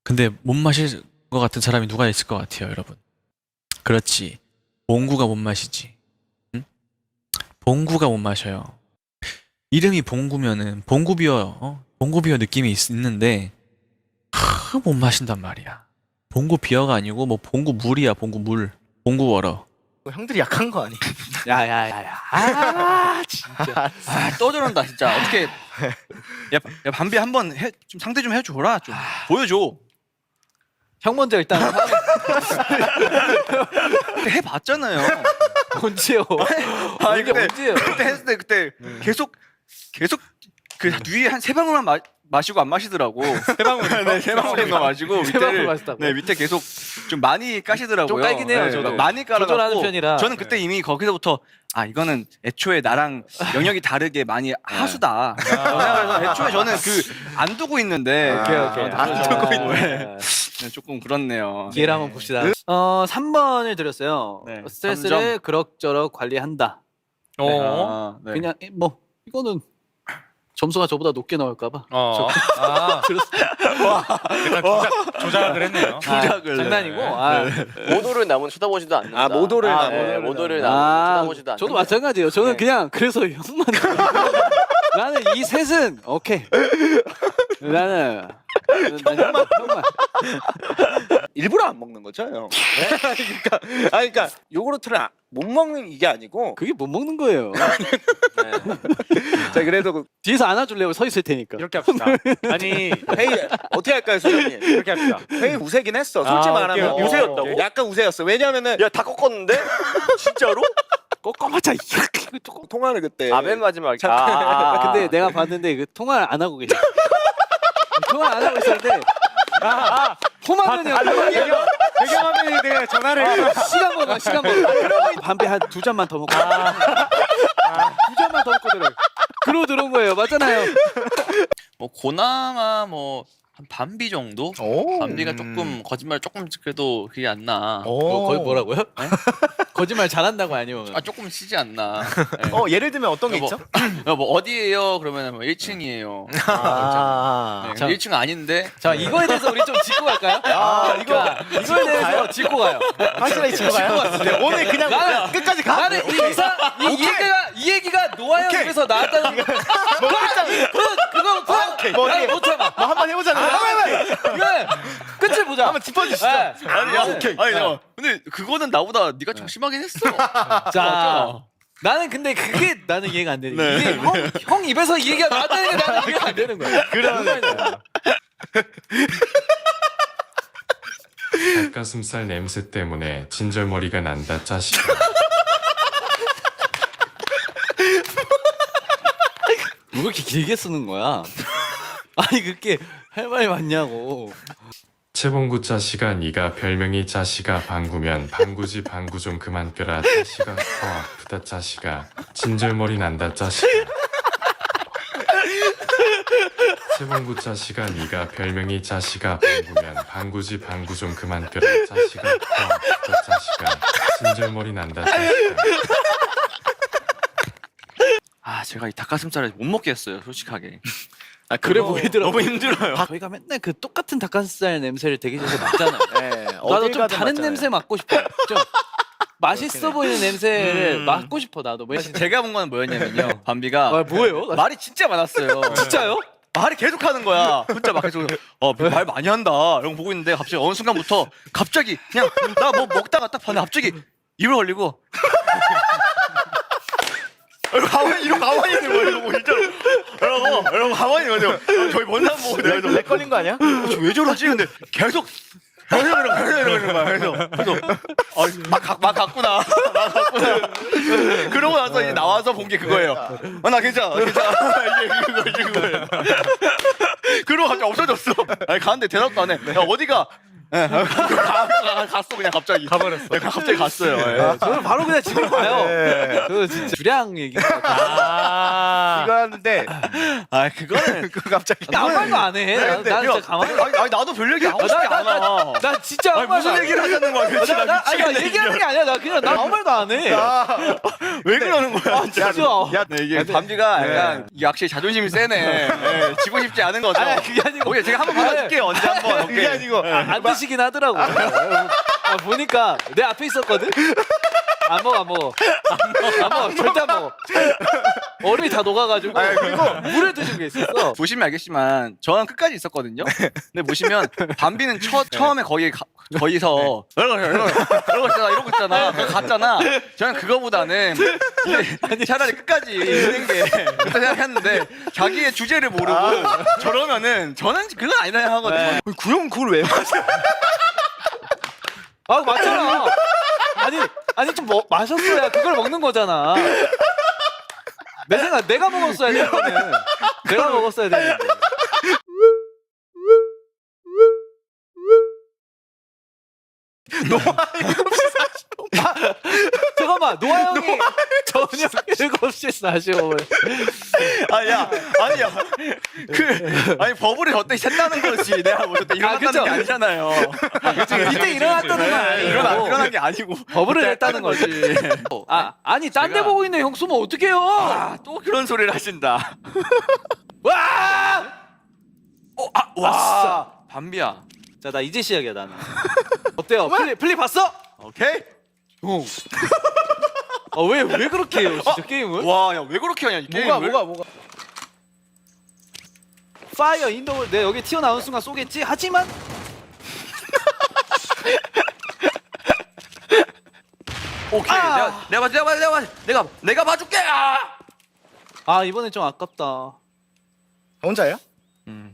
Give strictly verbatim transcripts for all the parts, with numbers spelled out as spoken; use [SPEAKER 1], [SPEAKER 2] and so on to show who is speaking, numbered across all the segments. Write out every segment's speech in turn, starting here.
[SPEAKER 1] 근데 못 마실 것 같은 사람이 누가 있을 것 같아요, 여러분? 그렇지. 봉구가 못 마시지. 응? 봉구가 못 마셔요. 이름이 봉구면은 봉구비어, 어? 봉구비어 느낌이 있, 있는데 하, 못 마신단 말이야. 봉구비어가 아니고 뭐 봉구물이야, 봉구물. 봉구워러.
[SPEAKER 2] 형들이 약한 거 아니야?
[SPEAKER 3] 야야야야. 아 진짜.
[SPEAKER 4] 아, 또 저런다 진짜. 어떻게 야, 야 밤비 한번 해, 좀 상대 좀 해줘라. 좀 보여줘.
[SPEAKER 3] 형 먼저 일단
[SPEAKER 4] 해봤잖아요.
[SPEAKER 3] 언제요?
[SPEAKER 4] 아니
[SPEAKER 3] 이게
[SPEAKER 4] 그때
[SPEAKER 3] 언제요?
[SPEAKER 4] 그때 했을 때 그때 계속 계속 그 위에 한 세 방울만 마, 마시고 안 마시더라고. 세 방울, 네, 세 방울만 마시고
[SPEAKER 3] 세 방울
[SPEAKER 4] 밑에를
[SPEAKER 3] 마셨다고?
[SPEAKER 4] 네 밑에 계속 좀 많이 까시더라고요.
[SPEAKER 3] 좀 깔긴 해요,
[SPEAKER 4] 네,
[SPEAKER 3] 저도.
[SPEAKER 4] 많이 깔아갖고
[SPEAKER 3] 조절하는 편이라.
[SPEAKER 4] 저는 그때 이미 거기서부터 아 이거는 애초에 나랑 영역이 다르게 많이 하수다. 그래서 애초에 저는 그 안 두고 있는데
[SPEAKER 3] 오케이 오케이.
[SPEAKER 4] 안 두고 있네.
[SPEAKER 3] 아,
[SPEAKER 4] 네, 조금 그렇네요.
[SPEAKER 3] 기회를 한번 봅시다. 어 삼 번을 드렸어요.
[SPEAKER 4] 네,
[SPEAKER 3] 스트레스를
[SPEAKER 4] 삼 점.
[SPEAKER 3] 그럭저럭 관리한다.
[SPEAKER 4] 어, 네.
[SPEAKER 3] 그냥 이- 뭐 이거는 점수가 저보다 높게 나올까봐.
[SPEAKER 5] 어. 아, 약간 조작, 조작을 했네요.
[SPEAKER 4] 조작을.
[SPEAKER 3] 장난이고. 아,
[SPEAKER 6] 모도를 남은 쳐다보지도 않는다.
[SPEAKER 2] 아, 모도를
[SPEAKER 6] 아,
[SPEAKER 2] 남은.
[SPEAKER 6] 네, 모도를
[SPEAKER 3] 아,
[SPEAKER 6] 남은 쳐다보지도 않는다.
[SPEAKER 3] 저도 마찬가지예요. 저는
[SPEAKER 6] 네.
[SPEAKER 3] 그냥 그래서 형만 나는 이 셋은 오케이. 나는 난 형만 형만.
[SPEAKER 2] 일부러 안 먹는 거죠, 형? 그러니까, 아, 그러니까 요구르트를 아- 못 먹는 이게 아니고.
[SPEAKER 3] 그게 못 먹는 거예요.
[SPEAKER 2] 자, 그래도 그
[SPEAKER 3] 뒤에서 안아줄래요? 서 있을 테니까.
[SPEAKER 5] 이렇게 합시다. 아니,
[SPEAKER 2] 회의 어떻게 할까요, 수장님?
[SPEAKER 5] 이렇게 합시다.
[SPEAKER 2] 회의 우세긴 했어. 솔직히
[SPEAKER 5] 아,
[SPEAKER 2] 말하면
[SPEAKER 5] 오케이, 오케이.
[SPEAKER 2] 우세였다고.
[SPEAKER 5] 오케이.
[SPEAKER 2] 약간 우세였어. 왜냐면은
[SPEAKER 6] 야, 다 꺾었는데? 진짜로?
[SPEAKER 3] 꺾어봤자.
[SPEAKER 2] 통화를 그때.
[SPEAKER 6] 아, 맨 마지막에.
[SPEAKER 2] 자,
[SPEAKER 6] 아, 아, 아.
[SPEAKER 3] 근데 내가 봤는데 그 통화를 안 하고 계셔. 통화를 안 하고 있었는데. 아, 아, 포만은요.
[SPEAKER 5] 배경, 배경화면이 내가 전화를 해서
[SPEAKER 3] 시간 먹어, 시간 먹어. 밤에 한 두 잔만 더 먹고. 두 잔만 더 먹고 들어. 그러고 들어온 거예요. 맞잖아요.
[SPEAKER 4] 뭐 고나마 뭐 한 반비 정도?
[SPEAKER 2] 오.
[SPEAKER 4] 반비가 조금 거짓말 조금 그래도 그게 안 나.
[SPEAKER 3] 뭐, 거의 뭐라고요? 거짓말 잘한다고 아니면?
[SPEAKER 4] 아 조금 쉬지 않나. 네.
[SPEAKER 2] 어, 예를 들면 어떤 게
[SPEAKER 4] 뭐,
[SPEAKER 2] 있죠?
[SPEAKER 4] 야, 뭐 어디에요? 그러면 뭐 일 층이에요.
[SPEAKER 2] 아.
[SPEAKER 4] 네,
[SPEAKER 3] 자.
[SPEAKER 4] 일 층 아닌데.
[SPEAKER 3] 자, 이거에 대해서 우리 좀 짚고 갈까요?
[SPEAKER 2] 아, 이거
[SPEAKER 3] 이거에 대해서 짚고 가요.
[SPEAKER 2] 확실하게 짚고 가요. 네, 오늘 그냥
[SPEAKER 3] 나는-
[SPEAKER 2] 끝까지 가.
[SPEAKER 3] 나는 이 이사 이, 이 얘기가 이 얘기가 노아형 입에서 나왔다는 거.
[SPEAKER 2] 뭐 끝장.
[SPEAKER 3] 그거 그거 그거
[SPEAKER 2] 뭐
[SPEAKER 3] 나는
[SPEAKER 2] 어떻게-
[SPEAKER 3] 못 참아.
[SPEAKER 2] 뭐 한번 해보자는 거야.
[SPEAKER 3] 그래 끝을 보자.
[SPEAKER 2] 한번 짚어주시죠.
[SPEAKER 3] 네.
[SPEAKER 4] 아니, 야, 아니, 야, 근데 그거는 나보다 네가 좀 심하긴 했어.
[SPEAKER 3] 자, 나는 근데 그게 나는 이해가 안 되는 거야.
[SPEAKER 4] 네.
[SPEAKER 3] 이게 형, 형 입에서 이 얘기가 나왔다는 게 나는 이해가 안 되는 거야.
[SPEAKER 2] 그러니까.
[SPEAKER 7] 닭가슴살 냄새 때문에 진절머리가 난다 짜식.
[SPEAKER 3] 왜 그렇게 길게 쓰는 거야? 아니 그렇게 할 말이 많냐고.
[SPEAKER 7] 채봉구 짜식아 니가 별명이 짜식아 방구면 방구지 방구 좀 그만 껴라 짜식아 더 아프다 짜식아 진절머리 난다 짜식아. 채봉구 짜식아 니가 별명이 짜식아 방구면 방구지 방구 좀 그만 껴라 짜식아 더 아프다 짜식아 진절머리 난다 짜식아.
[SPEAKER 4] 아 제가 이 닭가슴살을 못 먹겠어요, 솔직하게.
[SPEAKER 3] 아 그래 보이더라고.
[SPEAKER 4] 너무 힘들어요.
[SPEAKER 3] 저희가 맨날 그 똑같은 닭가슴살 냄새를 대기실에서 맡잖아요.
[SPEAKER 2] 네,
[SPEAKER 3] 나도
[SPEAKER 2] 어딜
[SPEAKER 3] 좀
[SPEAKER 2] 가든
[SPEAKER 3] 다른
[SPEAKER 2] 맞잖아요.
[SPEAKER 3] 냄새 맡고 싶어. 좀 맛있어 보이는 냄새를
[SPEAKER 4] 음.
[SPEAKER 3] 맡고 싶어 나도. 왜?
[SPEAKER 4] 사실 제가 본 건 뭐였냐면요. 밤비가
[SPEAKER 3] 아 뭐예요?
[SPEAKER 4] 말이 진짜 많았어요.
[SPEAKER 3] 진짜요?
[SPEAKER 4] 말이 계속 하는 거야. 혼자 막 계속 어말 많이 한다. 이런 거 보고 있는데 갑자기 어느 순간부터 갑자기 그냥 나 뭐 먹다가 딱 봤는데 갑자기 입을 벌리고 이러고 가만히 이러고 가만히 있는 거예요. 이러고 진짜로 이러고 이러고 가만히 있는 거죠. 저희 먼 사람 보고 내가
[SPEAKER 2] 렉 걸린 거 아니야?
[SPEAKER 4] 어, 왜 저러지? 근데 계속 계속 이러고 계속 이러는 거야. 그래서 그래서 아, 막, 가- 막 갔구나. 막 갔구나. 그러고 나서 이제 나와서 본 게 그거예요. 아, 나 괜찮아, 괜찮아. 이게 그거, 이게 그거예요. 그러고 갑자기 없어졌어. 아니, 가는데 대답도 안 해. 야, 어디가? 예, 가, 가, 갔어 그냥 갑자기. 가버렸어. 갑자기 갔어요. 예.
[SPEAKER 3] 저는 바로 그냥 집에 가요.
[SPEAKER 2] 네.
[SPEAKER 3] 그 진짜 주량 얘기.
[SPEAKER 5] 아,
[SPEAKER 4] 이거 하는데 아 그거는 그 갑자기
[SPEAKER 3] 아무 말도 안 해. 나, 나 진짜 가만히.
[SPEAKER 4] 아니, 아니 나도 별 얘기 하고 싶지
[SPEAKER 3] 나, 나,
[SPEAKER 4] 않아.
[SPEAKER 3] 나 진짜 아무
[SPEAKER 4] 아니,
[SPEAKER 3] 말도
[SPEAKER 4] 무슨
[SPEAKER 3] 안 해.
[SPEAKER 4] 얘기를 하자는 거야 도대체.
[SPEAKER 3] 나, 나,
[SPEAKER 4] 나
[SPEAKER 3] 아니, 나
[SPEAKER 4] 미치겠네,
[SPEAKER 3] 얘기하는 게 아니야. 나 그냥 나 아무 말도 안 해.
[SPEAKER 4] 진짜. 왜 그러는 거야 진짜.
[SPEAKER 3] 진짜.
[SPEAKER 4] 야, 네, 이게 밤지가 약간 이게 확실히 자존심이 세네. 네, 지고 싶지 않은 거죠.
[SPEAKER 3] 아니, 그게 아니고.
[SPEAKER 4] 오케이, 제가 한번 받아줄게요. 언제 한번. 그게 아니고.
[SPEAKER 3] 안 드시긴 하더라고. 아, 보니까 내 앞에 있었거든. 안 먹어, 안 먹어. 안 먹어, 절대 안 먹어. 얼음이 다 녹아가지고 물에 드신 게 있었어.
[SPEAKER 4] 보시면 알겠지만 저는 끝까지 있었거든요. 근데 보시면 밤비는 처, 처음에 거기 가, 거기서 이러고 이러고 이러고 있잖아, 이러고 있잖아, 그거 갔잖아. 저는 그거보다는 이제 차라리 끝까지 있는 게 그렇다 생각했는데 자기의 주제를 모르고 저러면은 저는 그건 아니다 하거든요. 구형 그걸 왜 마셔?
[SPEAKER 3] 아, 맞잖아. 아니, 아니 좀 뭐, 마셨어야 그걸 먹는 거잖아. 내 생각 내가 먹었어야 돼. 이거는. 내가 먹었어야 되는데. 아, 잠깐만, 노아 형이 저녁 일곱 시에 사시오.
[SPEAKER 4] 아니야, 아니야. 그 아니 버블이 저때 샜다는 거지. 내가 뭐 저때 일어났다는
[SPEAKER 3] 그쵸?
[SPEAKER 4] 게 아니잖아요.
[SPEAKER 3] 이때 일어났다는 건 아니고.
[SPEAKER 4] 일어나 일어난 게 아니고
[SPEAKER 3] 버블을
[SPEAKER 4] 그때
[SPEAKER 3] 했다는 거지. 아, 아니 딴 데
[SPEAKER 4] 제가-
[SPEAKER 3] 보고 있는 형 숨으면 어떡해요?
[SPEAKER 4] 아, 또 그런 소리를 하신다.
[SPEAKER 3] 와!
[SPEAKER 4] 어, 아, 와, 밤비야.
[SPEAKER 3] 자, 나 이제 시작이야, 나는. 어때요? 플리, 플리 봤어?
[SPEAKER 4] 오케이.
[SPEAKER 3] 아, 왜, 왜 그렇게 해요, 진짜 게임을?
[SPEAKER 4] 와, 야 왜 그렇게 하냐 이 게임을?
[SPEAKER 3] 뭐가, 뭐가, 뭐가. 파이어 인더월 내가 여기 튀어나온 순간 쏘겠지? 하지만
[SPEAKER 4] 오케이.
[SPEAKER 3] 아!
[SPEAKER 4] 내가 내가 봐, 내가 봐, 내가 봐, 내가 내가 봐줄게. 아!
[SPEAKER 3] 아, 이번엔 좀 아깝다.
[SPEAKER 2] 혼자예요?
[SPEAKER 4] 음.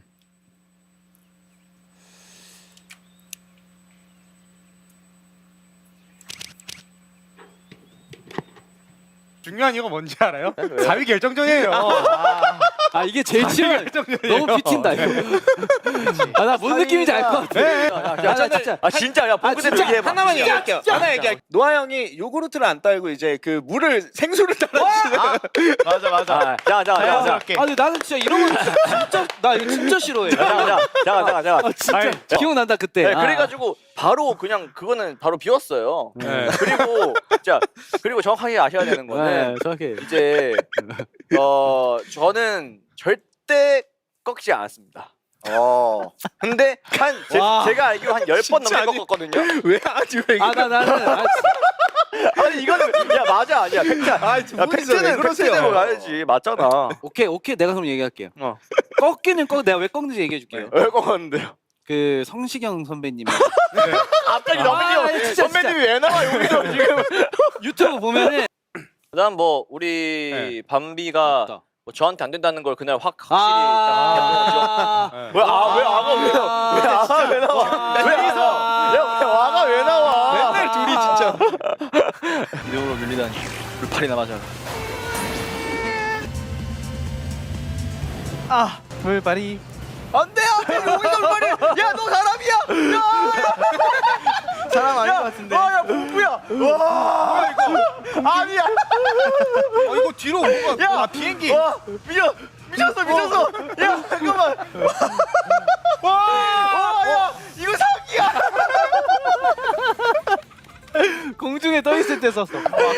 [SPEAKER 5] 중요한 이유가 뭔지 알아요?
[SPEAKER 6] 왜요?
[SPEAKER 5] 사 위 결정전이에요.
[SPEAKER 3] 아, 이게 제일 치면 너무 비틴다, 이거. 아, 나 뭔 느낌인지 알 것 같아.
[SPEAKER 5] 네.
[SPEAKER 3] 아, 나 진짜.
[SPEAKER 6] 아 진짜 야 봉구 대표 얘기해봐.
[SPEAKER 2] 하나만 얘기할게요. 하나 얘기할게요. 노아 형이 요구르트를 안 따르고 이제 그 물을 생수를 따라주시는.
[SPEAKER 4] 맞아, 맞아.
[SPEAKER 6] 아, 자, 자, 자, 자,
[SPEAKER 5] 자연스럽게.
[SPEAKER 3] 아, 근데 나는 진짜 이런 거 진짜, 나 이거 진짜 싫어해.
[SPEAKER 6] 자, 자, 자, 자, 자.
[SPEAKER 3] 아, 진짜. 기억난다, 그때.
[SPEAKER 6] 네,
[SPEAKER 3] 아.
[SPEAKER 6] 그래가지고 바로 그냥 그거는 바로 비웠어요.
[SPEAKER 5] 네.
[SPEAKER 6] 그리고 자 그리고 정확하게 아셔야 되는
[SPEAKER 3] 네,
[SPEAKER 6] 거는
[SPEAKER 3] 정확해.
[SPEAKER 6] 이제 어 저는 절대 꺾지 않았습니다.
[SPEAKER 2] 어.
[SPEAKER 6] 근데 한 제,
[SPEAKER 3] 와.
[SPEAKER 6] 제가 알기로 한 열 번
[SPEAKER 2] 진짜
[SPEAKER 6] 넘게
[SPEAKER 2] 아니-
[SPEAKER 6] 꺾었거든요.
[SPEAKER 2] 왜 아직 왜
[SPEAKER 3] 아, 나, 나는. 아,
[SPEAKER 6] 아니 이거는 야 맞아 아니야 팩트.
[SPEAKER 2] 아,
[SPEAKER 6] 야,
[SPEAKER 2] 팩트는
[SPEAKER 6] 팩트는 팩트대로 가야지 맞잖아.
[SPEAKER 3] 오케이, 오케이. 내가 그럼 얘기할게요.
[SPEAKER 6] 어.
[SPEAKER 3] 꺾기는 꺾, 내가 왜 꺾는지 얘기해 줄게요.
[SPEAKER 6] 왜 꺾었는데요?
[SPEAKER 3] 그 성시경 선배님이
[SPEAKER 6] 갑자기
[SPEAKER 3] 아,
[SPEAKER 6] 너무
[SPEAKER 3] 진짜,
[SPEAKER 6] 선배님이 왜 나와 여기서 지금?
[SPEAKER 3] 유튜브 보면은
[SPEAKER 6] 그다음 뭐 우리 밤비가
[SPEAKER 3] 맞다.
[SPEAKER 6] 뭐 저한테 안 된다는 걸 그날 확 확실히 딱
[SPEAKER 3] 아,
[SPEAKER 6] 왜 아 왜 아가 왜 나와? 왜 아가 왜 나와? 왜 아가? 왜 아가 왜 나와?
[SPEAKER 2] 맨날 둘이 진짜.
[SPEAKER 4] 이름으로 밀리다니. 불팔이나 맞아.
[SPEAKER 3] 아, 물발이.
[SPEAKER 4] 안돼, 안돼, 여기서 불팔이야. 야, 너 사람이야. 야, 사람 아닌 것 같은데.
[SPEAKER 6] 아, 야 봉구야. 와 이거 아니야.
[SPEAKER 2] 어, 이거 뒤로 뭐가?
[SPEAKER 6] 야
[SPEAKER 2] 아, 비행기.
[SPEAKER 6] 와 미쳤 미쳤어 미쳤어. 야 잠깐만. 와야 이거 사기야.
[SPEAKER 3] 공중에 떠 있을 때 썼어.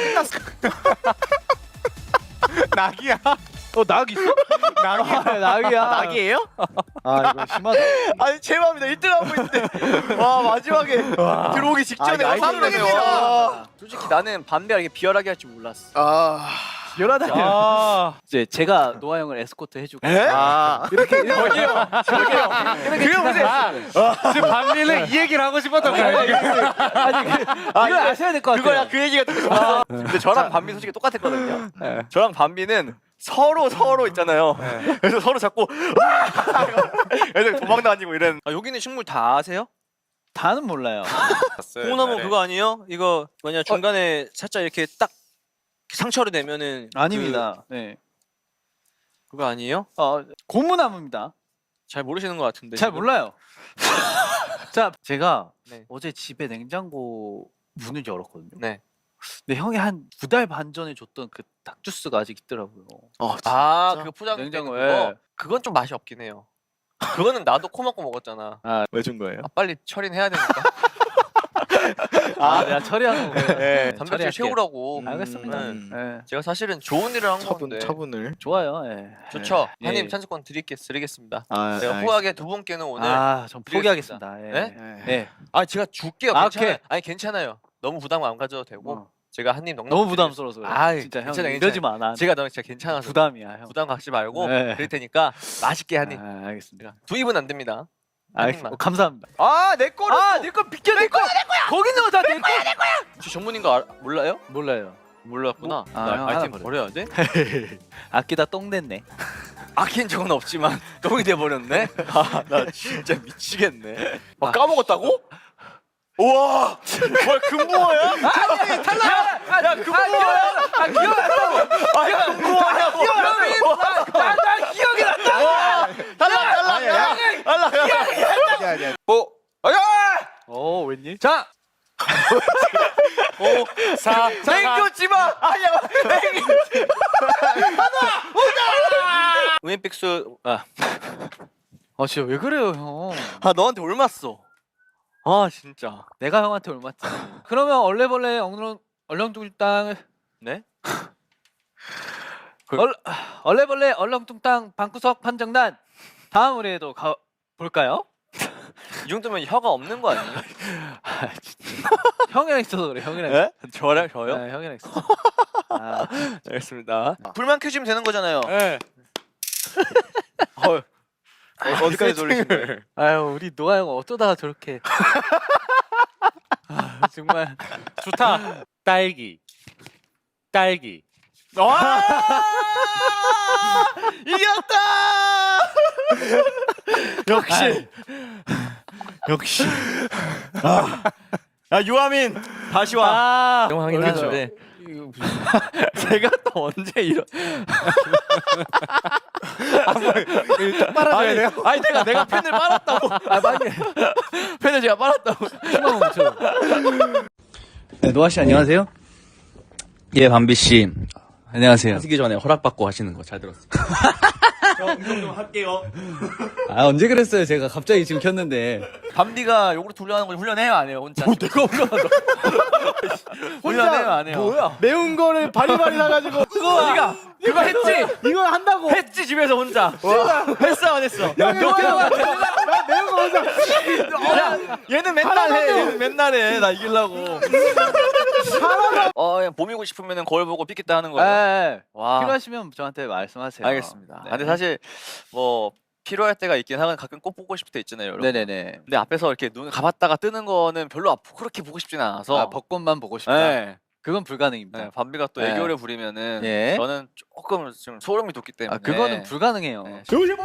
[SPEAKER 5] 낙이야.
[SPEAKER 3] 어, 낙 있어? 낙이야. 낙이야.
[SPEAKER 2] 낙이에요?
[SPEAKER 3] 아, 이거 심하다.
[SPEAKER 6] 아니 제 맘이다 일 등 하고 있는데 와 마지막에 들어오기 직전에
[SPEAKER 4] 아, 이거
[SPEAKER 6] 사는
[SPEAKER 4] 아이템이네요. 솔직히 나는 밤비가 이렇게 비열하게 할 줄 몰랐어.
[SPEAKER 2] 아.
[SPEAKER 3] 열하다.
[SPEAKER 5] 아.
[SPEAKER 3] 이제 제가 노아 형을 에스코트 해주고.
[SPEAKER 2] 아.
[SPEAKER 3] 이렇게 이렇게
[SPEAKER 5] 그게 무슨 지금 밤리는 이 얘기를 하고 싶었던 거야.
[SPEAKER 3] 아니 그, 이걸 아셔야 될 것 같아요.
[SPEAKER 6] 그거야 그 얘기가 듣고 싶었어. 근데 저랑 밤비 솔직히 똑같았거든요. 저랑 밤비는 서로 서로 있잖아요. 그래서 서로 자꾸 애들 도망 다니고 이런.
[SPEAKER 4] 아, 여기는 식물 다 아세요?
[SPEAKER 3] 다는 몰라요.
[SPEAKER 4] 콩나무 그거 아니에요? 이거 뭐냐 중간에 살짝 이렇게 딱 상처를 내면은
[SPEAKER 3] 아닙니다. 네.
[SPEAKER 4] 그, 그거 아니에요?
[SPEAKER 3] 어, 고무나무입니다.
[SPEAKER 4] 잘 모르시는 것 같은데.
[SPEAKER 3] 잘
[SPEAKER 4] 지금.
[SPEAKER 3] 몰라요. 자, 제가
[SPEAKER 4] 네.
[SPEAKER 3] 어제 집에 냉장고 문을 열었거든요.
[SPEAKER 4] 네.
[SPEAKER 3] 근데 형이 한 두 달 반 전에 줬던 그 닭주스가 아직 있더라고요.
[SPEAKER 6] 아, 그 포장
[SPEAKER 3] 냉장고에.
[SPEAKER 6] 냉장고. 그건 좀 맛이 없긴 해요. 그거는 나도 코 막고 먹었잖아.
[SPEAKER 2] 왜 준 거예요?
[SPEAKER 6] 아, 빨리 처리는 해야 되니까.
[SPEAKER 3] 아, 내가 처리하는 거.
[SPEAKER 6] 네, 단백질
[SPEAKER 3] 처리할게.
[SPEAKER 6] 채우라고.
[SPEAKER 3] 음, 알겠습니다.
[SPEAKER 6] 음.
[SPEAKER 3] 예.
[SPEAKER 6] 제가 사실은 좋은 일을 한
[SPEAKER 2] 차분
[SPEAKER 6] 건데.
[SPEAKER 2] 차분을.
[SPEAKER 3] 좋아요. 예.
[SPEAKER 6] 좋죠.
[SPEAKER 3] 예.
[SPEAKER 6] 한입
[SPEAKER 3] 예.
[SPEAKER 6] 찬스권 드리겠, 드리겠습니다.
[SPEAKER 2] 아,
[SPEAKER 6] 제가 후하게 두 분께는 오늘. 아,
[SPEAKER 3] 아, 전 포기하겠습니다. 예.
[SPEAKER 6] 네?
[SPEAKER 3] 예.
[SPEAKER 6] 제가 줄게요.
[SPEAKER 3] 아,
[SPEAKER 6] 괜찮아요.
[SPEAKER 3] 오케이.
[SPEAKER 6] 아니 괜찮아요. 너무 부담 안 가져도 되고.
[SPEAKER 3] 어.
[SPEAKER 6] 제가 한입 넉넉.
[SPEAKER 3] 너무 부담스러워서 그래.
[SPEAKER 6] 아이,
[SPEAKER 3] 진짜 형
[SPEAKER 6] 괜찮아,
[SPEAKER 3] 이러지 마. 나
[SPEAKER 6] 제가 너무 진짜 괜찮아서.
[SPEAKER 3] 부담이야, 형.
[SPEAKER 6] 부담 갖지 말고
[SPEAKER 3] 네.
[SPEAKER 6] 그럴 테니까 맛있게 한입.
[SPEAKER 3] 아, 알겠습니다.
[SPEAKER 6] 두 입은 안 됩니다.
[SPEAKER 3] 알겠습니다.
[SPEAKER 6] 한입만.
[SPEAKER 3] 어, 감사합니다.
[SPEAKER 6] 아, 내 거를.
[SPEAKER 3] 아, 내 거 비켜 내 거야, 내 거야. 거기 넣어 다 내 거야, 내 거야.
[SPEAKER 6] 혹시 전문인 거 알, 몰라요?
[SPEAKER 3] 몰라요.
[SPEAKER 6] 몰랐구나.
[SPEAKER 3] 아,
[SPEAKER 6] 나
[SPEAKER 3] 형
[SPEAKER 6] 아이템
[SPEAKER 3] 하나
[SPEAKER 6] 버려야 돼?
[SPEAKER 3] 아끼다 똥 냈네.
[SPEAKER 6] 아낀 적은 없지만 똥이 돼 버렸네. 아, 나 진짜 미치겠네. 아, 까먹었다고? 우와! 뭐야, 금붕어야?
[SPEAKER 3] 아니, 탈락. 아, 야, 금붕어야. 아, 기억났다고.
[SPEAKER 6] 아, 금붕어야.
[SPEAKER 3] 기억났다고. 나, 나 기억이 났다고.
[SPEAKER 6] 달라, 달라, 달라.
[SPEAKER 2] 아니야 아니야.
[SPEAKER 6] 뭐? 아,
[SPEAKER 3] 어, 웬일?
[SPEAKER 6] 자, 오, 사, 맹구지 마. 아니야, 맹구지 마. 하나, 우인픽스. 아,
[SPEAKER 3] 아, 진짜 왜 그래요, 형?
[SPEAKER 6] 아, 너한테 올맞어. 아, 진짜.
[SPEAKER 3] 내가 형한테 올맞지. 그러면 얼레벌레 엉렁 얼렁뚱땅
[SPEAKER 6] 네?
[SPEAKER 3] 얼 얼레벌레 얼렁뚱땅 방구석 판정단 다음 의뢰도 가 볼까요?
[SPEAKER 6] 이 정도면 혀가 없는 거 아니에요?
[SPEAKER 3] 아, 진짜. 형이랑 있어서 그래. 형이랑.
[SPEAKER 6] 네? 저랑
[SPEAKER 3] 있어.
[SPEAKER 6] 저요?
[SPEAKER 3] 네, 형이랑 있어. 아,
[SPEAKER 6] 알겠습니다. 불만 켜주면 되는 거잖아요.
[SPEAKER 3] 네.
[SPEAKER 6] 어, 어디까지 돌리신 거예요?
[SPEAKER 3] 아유, 우리 노아 형 어쩌다가 저렇게. 아, 정말.
[SPEAKER 5] 좋다. 딸기. 딸기.
[SPEAKER 6] 이겼다! 역시 역시 아 유아민 다시 와.
[SPEAKER 3] 아,
[SPEAKER 6] 영광이긴
[SPEAKER 3] 그렇죠.
[SPEAKER 6] 한데 제가 또 언제 이런
[SPEAKER 3] 빨아줘야 돼요?
[SPEAKER 6] 아니 내가 내가 펜을 빨았다고.
[SPEAKER 3] 아, 빨리.
[SPEAKER 6] 펜을 제가 빨았다고.
[SPEAKER 3] 희망 멈춰.
[SPEAKER 8] 네, 노아 씨 안녕하세요. 예, 밤비 씨. 안녕하세요.
[SPEAKER 1] 하시기 전에 허락받고 하시는 거 잘 들었어요.
[SPEAKER 8] 아, 언제 그랬어요? 제가 갑자기 지금 켰는데.
[SPEAKER 6] 밤디가 요구르트 훈련하는 걸 훈련해요 안 해요 혼자? 뭐 내가 훈련한다. 훈련해요 안 해요? 뭐야?
[SPEAKER 2] 매운 거를 바리바리 사가지고
[SPEAKER 6] 그거 네가 그거 했지?
[SPEAKER 2] 이걸 한다고.
[SPEAKER 6] 했지 집에서 혼자. 했어 안 했어?
[SPEAKER 2] 야, 너 나 매운 거 먼저.
[SPEAKER 6] 야, 얘는 맨날 해. 얘는 맨날 해. 나 이기려고. 어, 그냥 봄이고 싶으면은 거울 보고 삐겠다 하는 거예요.
[SPEAKER 3] 네.
[SPEAKER 6] 와.
[SPEAKER 3] 필요하시면 저한테 말씀하세요.
[SPEAKER 6] 알겠습니다.
[SPEAKER 3] 네.
[SPEAKER 6] 아, 근데 사실 뭐 필요할 때가 있긴 하건 가끔 꼭 보고 싶을 때 있잖아요, 여러분.
[SPEAKER 3] 네네네.
[SPEAKER 6] 근데 앞에서 이렇게 눈 감았다가 뜨는 거는 별로 아- 그렇게 보고 싶지는 않아서.
[SPEAKER 3] 아, 벚꽃만 보고 싶다.
[SPEAKER 6] 네.
[SPEAKER 3] 그건 불가능입니다.
[SPEAKER 6] 네, 밤비가 또
[SPEAKER 3] 네.
[SPEAKER 6] 애교를 부리면은
[SPEAKER 3] 예.
[SPEAKER 6] 저는 조금 좀 소름이 돋기 때문에.
[SPEAKER 3] 아, 그거는 불가능해요.
[SPEAKER 6] 네.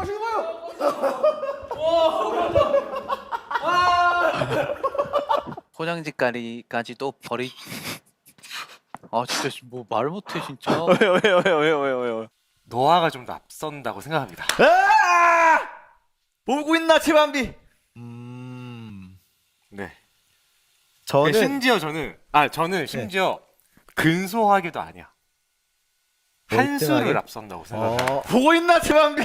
[SPEAKER 3] 포장지까지도 버리. 아, 진짜 뭐 말 못해 진짜.
[SPEAKER 6] 왜요 왜요 왜요 왜요 왜요 왜요.
[SPEAKER 5] 노아가 좀 더 앞선다고 생각합니다.
[SPEAKER 6] 보고 있나 최밤비?
[SPEAKER 5] 네.
[SPEAKER 2] 저는
[SPEAKER 5] 심지어 저는 아 저는 심지어 근소하게도 아니야. 한 수를 앞선다고 생각합니다.
[SPEAKER 2] 어,
[SPEAKER 6] 보고 있나 최밤비?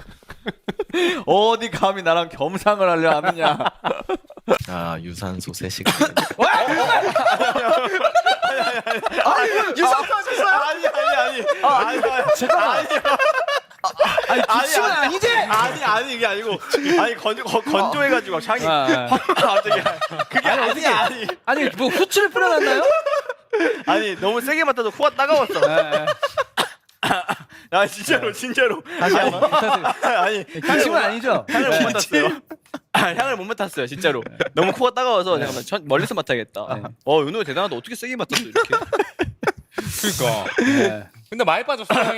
[SPEAKER 6] 어디 감히 나랑 겸상을 하려 하느냐?
[SPEAKER 9] 아 유산소 세 시간.
[SPEAKER 6] 유산소 하셨어요? 아니 아니 아니. 아, 아니 아니. 잠깐만. 아니
[SPEAKER 3] 기침은
[SPEAKER 6] 아니지? 아니 아니 이게 아니고 아니 건 건- 건조해가지고 향이
[SPEAKER 3] 아,
[SPEAKER 6] 확 갑자기 그게 아니 아니
[SPEAKER 3] 아니 뭐 후추를 뿌려놨나요?
[SPEAKER 6] 아니 너무 세게 맡아서 코가 따가웠어.
[SPEAKER 3] 네.
[SPEAKER 6] 아 진짜로 진짜로.
[SPEAKER 3] 다시 한번
[SPEAKER 6] 아니
[SPEAKER 3] 기침은 아니죠?
[SPEAKER 6] 향을 못 맡았어요. 아, 향을 못 맡았어요 진짜로. 너무 코가 따가워서 잠깐만 천, 멀리서 맡아야겠다. 어 윤호 대단하다. 어떻게 세게 맡았어 이렇게?
[SPEAKER 5] 그러니까.
[SPEAKER 3] 네.
[SPEAKER 5] 근데 많이 빠졌어 향이.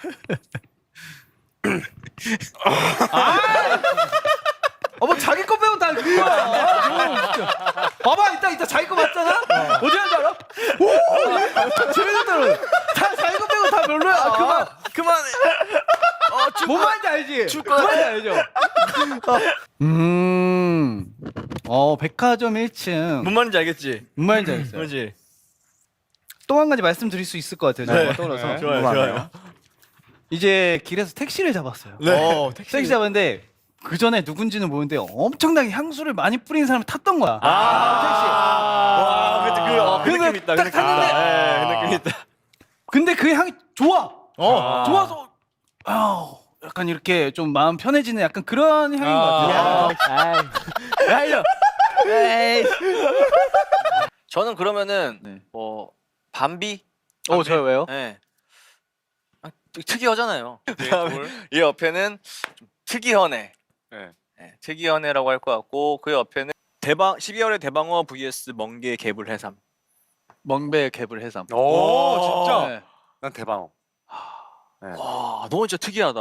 [SPEAKER 3] 어, 뭐 자기 거 빼면 다 그거야. 봐봐, 이따 이따 자기 거 맞잖아. 어디 한줄 알아? 오, 재밌는 다 자기 거 빼고 다 별로야. 아, 그만,
[SPEAKER 6] 그만해. 어,
[SPEAKER 3] 뭔 말인지 알지?
[SPEAKER 6] 축구.
[SPEAKER 3] 뭔 말인지 알죠? 음, 어, 백화점 일 층.
[SPEAKER 6] 뭔 말인지 알겠지?
[SPEAKER 3] 뭔 말인지 알겠어요.
[SPEAKER 6] 그렇지.
[SPEAKER 3] 또 한 가지 말씀드릴 수 있을 것 같아요. 제가
[SPEAKER 4] 네.
[SPEAKER 3] 떠올라서.
[SPEAKER 4] 네. 좋아요, 좋아요.
[SPEAKER 3] 이제 길에서 택시를 잡았어요.
[SPEAKER 4] 네.
[SPEAKER 3] 택시 잡았는데 그 전에 누군지는 모르는데 엄청나게 향수를 많이 뿌린 사람을 탔던 거야.
[SPEAKER 4] 아, 와, 그, 그, 어, 그
[SPEAKER 3] 그래서
[SPEAKER 4] 느낌 있다. 그
[SPEAKER 3] 딱
[SPEAKER 4] 느낌
[SPEAKER 3] 탔는데
[SPEAKER 4] 있다. 예, 그 느낌 있다.
[SPEAKER 3] 근데 그 향이 좋아.
[SPEAKER 4] 어.
[SPEAKER 3] 좋아서 아우, 약간 이렇게 좀 마음 편해지는 약간 그런 향인 것 같아요.
[SPEAKER 6] 야 이거. 에이. 저는 그러면은
[SPEAKER 3] 네.
[SPEAKER 6] 뭐 밤비.
[SPEAKER 3] 어, 저요 왜요?
[SPEAKER 6] 예. 아, 되게 특이하잖아요. 그다음에 이 옆에는 좀 특이연애.
[SPEAKER 5] 네.
[SPEAKER 6] 예, 특이연애라고 할 것 같고 그 옆에는 대방 십이월의 대방어 vs 멍게 개불 해삼.
[SPEAKER 3] 멍배 개불 해삼.
[SPEAKER 5] 오, 진짜?
[SPEAKER 3] 네.
[SPEAKER 5] 난 대방어.
[SPEAKER 6] 와, 너 진짜 특이하다.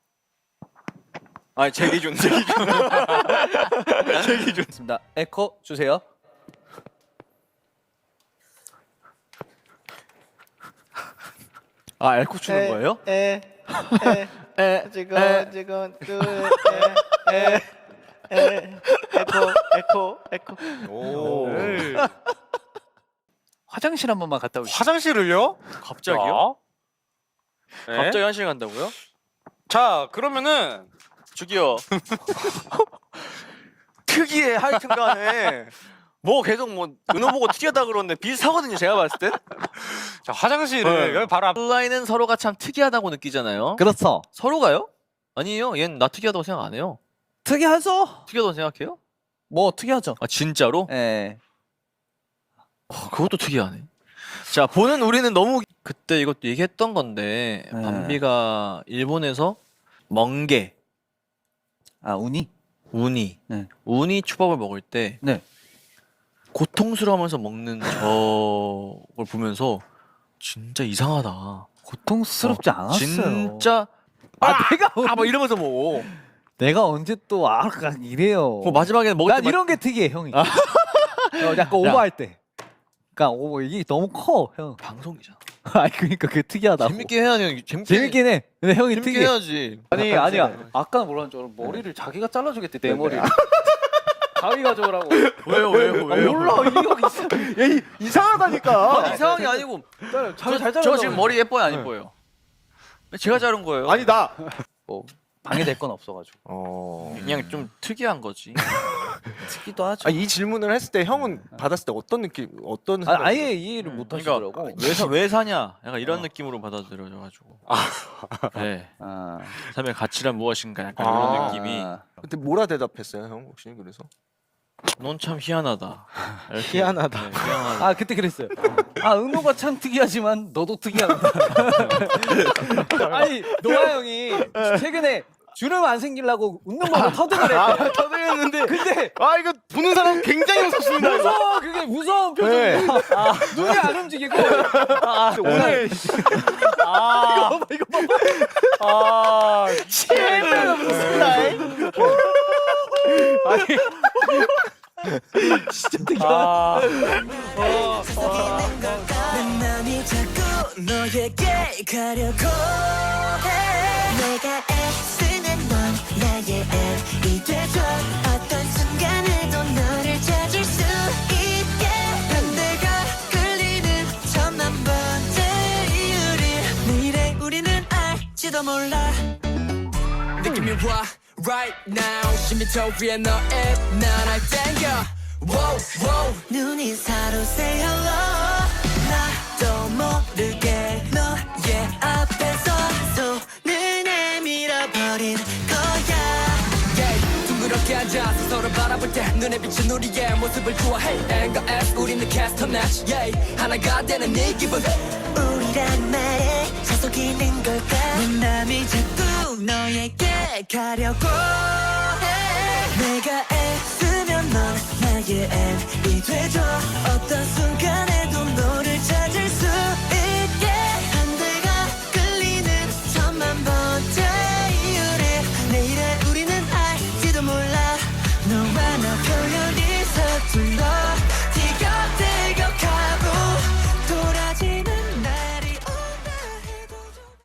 [SPEAKER 6] 아니 제 기준, 제 기준. 제 기준.
[SPEAKER 3] 좋습니다. 에코 주세요.
[SPEAKER 6] 아, 에코 추는 거예요?
[SPEAKER 2] 에, 에, 에, 지금, 지금, 그, 에, 에, 에, 에코, 에코, 에코.
[SPEAKER 5] 오.
[SPEAKER 3] 화장실 한 번만 갔다 오시죠.
[SPEAKER 5] 화장실을요?
[SPEAKER 6] 갑자기요?
[SPEAKER 5] 네.
[SPEAKER 6] 갑자기 화장실 간다고요?
[SPEAKER 5] 자, 그러면은
[SPEAKER 6] 저기요. 특이해 하여튼간에 뭐 계속 뭐 은호 보고 특이하다 그러는데 비슷하거든요 제가 봤을 때.
[SPEAKER 5] 자, 화장실을
[SPEAKER 6] 네.
[SPEAKER 5] 여기 바로 앞.
[SPEAKER 6] 플라이는 서로가 참 특이하다고 느끼잖아요.
[SPEAKER 3] 그렇죠.
[SPEAKER 6] 서로가요? 아니에요. 얜 나 특이하다고 생각 안 해요.
[SPEAKER 3] 특이하죠?
[SPEAKER 6] 특이하다고 생각해요?
[SPEAKER 3] 뭐 특이하죠.
[SPEAKER 6] 아 진짜로?
[SPEAKER 3] 예.
[SPEAKER 6] 어, 그것도 특이하네. 자 보는 우리는 너무 그때 이것도 얘기했던 건데
[SPEAKER 3] 네.
[SPEAKER 6] 밤비가 일본에서 멍게,
[SPEAKER 3] 아 우니?
[SPEAKER 6] 우니,
[SPEAKER 3] 네.
[SPEAKER 6] 우니 초밥을 먹을 때
[SPEAKER 3] 네.
[SPEAKER 6] 고통스러워하면서 먹는 저걸 보면서 진짜 이상하다.
[SPEAKER 3] 고통스럽지 않았어요.
[SPEAKER 6] 진짜
[SPEAKER 3] 아 내가
[SPEAKER 6] 아 막 이러면서 먹어.
[SPEAKER 3] 내가 언제 또 아, 약간 이래요.
[SPEAKER 6] 뭐 마지막에는 먹을
[SPEAKER 3] 난
[SPEAKER 6] 때
[SPEAKER 3] 이런 게 특이해 형이. 어, 약간 오버할 때. 그러니까 오 이게 너무 커 형.
[SPEAKER 6] 방송이잖아.
[SPEAKER 3] 아니 그러니까 그게 특이하다고.
[SPEAKER 6] 재밌게 해야 돼. 재밌게
[SPEAKER 3] 재밌긴 해. 근데 형이
[SPEAKER 6] 재밌게
[SPEAKER 3] 특이해.
[SPEAKER 6] 해야지.
[SPEAKER 3] 아니 아니야. 아까는 뭐라는 줄 알아? 머리를 자기가 잘라주겠대 내 머리를. 가위 가져오라고.
[SPEAKER 6] 왜요 왜요
[SPEAKER 3] 아, 몰라 이 형 있어. 얘 이상하다니까.
[SPEAKER 6] 이상한 게 아니고
[SPEAKER 3] 자기 잘
[SPEAKER 6] 저,
[SPEAKER 3] 잘라.
[SPEAKER 6] 저 지금 머리 예뻐요 안 예뻐요? 제가 자른 거예요.
[SPEAKER 2] 아니, 나.
[SPEAKER 3] 뭐 방해될 건 없어가지고.
[SPEAKER 5] 어.
[SPEAKER 6] 그냥 좀 특이한 거지.
[SPEAKER 3] 특기도 하죠.
[SPEAKER 2] 아, 이 질문을 했을 때 형은 받았을 때 어떤 느낌, 어떤
[SPEAKER 3] 아,
[SPEAKER 2] 생각?
[SPEAKER 3] 아예 이해를 못 하시더라고.
[SPEAKER 6] 그러니까 왜, 사, 왜 사냐? 약간 이런 느낌으로 받아들여져가지고. 네.
[SPEAKER 3] 아.
[SPEAKER 6] 삶의 가치란 무엇인가? 약간
[SPEAKER 2] 아.
[SPEAKER 6] 이런 느낌이.
[SPEAKER 3] 아.
[SPEAKER 2] 그때 뭐라 대답했어요, 형 혹시 그래서?
[SPEAKER 6] 넌 참 희한하다. 이렇게.
[SPEAKER 2] 희한하다.
[SPEAKER 6] 네, 희한하다.
[SPEAKER 3] 아 그때 그랬어요. 아 은호가 참 특이하지만 너도 특이하다. 아니 노아 형이 최근에 주름 안 생기려고 웃는 거를 터득을 했대.
[SPEAKER 2] 터득했는데.
[SPEAKER 3] 근데
[SPEAKER 2] 아, 이거 보는 사람 굉장히 무섭습니다. 이거.
[SPEAKER 3] 무서워 그게 무서운 표정이야. 아, 눈이 안 움직이고. 아, 오늘 아 이거 봐 이거 봐봐. 아 진짜 무섭다. 아니 진짜 특이하다.
[SPEAKER 10] 내 맘이 자꾸 너에게 가려고 해. 내가 애쓰는 넌 나의 앱이 돼줘. 어떤 순간에도 너를 찾을 수 있게. 반대가 끌리는 천만 번째 이유를 내일의 우리는 알지도 몰라. 느낌이 와 right now. 심미터 위에 너의 나날 땡겨. wow, wow. 눈이 서로 say hello. 나도 모르게 너의 앞에서 손을 내밀어버린 거야. yeah. 둥그렇게 앉아서 서로 바라볼 때 눈에 비친 우리의 모습을 좋아해. N 과 S 우리는 캐스터 match. yeah. 하나가 되는 이 기분. 우리란 말에 자석이는 걸까. 내 맘이 자꾸 너에게 가려고 해. 내가 애쓰면 넌 나의 N이 돼줘. 어떤 순간에